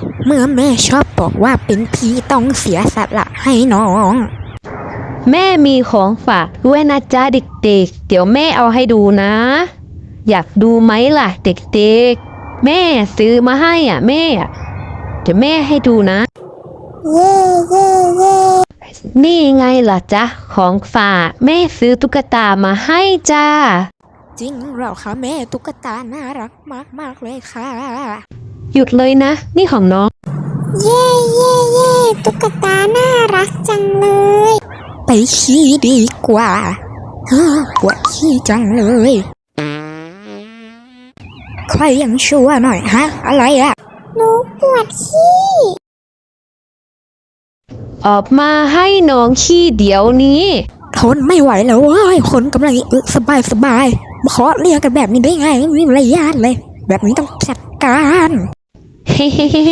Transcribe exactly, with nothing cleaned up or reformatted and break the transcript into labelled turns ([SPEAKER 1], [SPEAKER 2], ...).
[SPEAKER 1] เมื่อแม่ชอบบอกว่าเป็นพี่ต้องเสียสละให้น้อง
[SPEAKER 2] แม่มีของฝากด้วยนะจ๊ะเด็กๆเดี๋ยวแม่เอาให้ดูนะ อยากดูไหมล่ะเด็กๆแม่ซื้อมาให้อ่ะแม่เดี๋ยวแม่ให้ดูนะ
[SPEAKER 1] เย่เย่เย่
[SPEAKER 2] นี่ไงล่ะจ๊ะของฝากแม่ซื้อตุ๊กตามาให้จ้า
[SPEAKER 1] จริงเหรอคะแม่ตุ๊กตาน่ารักมากมากเลยค่ะ
[SPEAKER 2] หยุดเลยนะนี่ของน้อง
[SPEAKER 1] เย่เย่เย่ตุ๊กตาน่ารักจังเลยไปขี้ดีกว่าปวดขี้จังเลยใครยังชั่วหน่อยฮะอะไรอะหนูปวดขี้
[SPEAKER 2] ออกมาให้น้องขี้เดี๋ยวนี้
[SPEAKER 1] ทนไม่ไหวแล้วเว้ยคนกำลังอึสบายสบายมาขอเรียกกันแบบนี้ได้ไงไม่มีมารยาทเลยแบบนี้ต้องจัดการ
[SPEAKER 2] เฮ้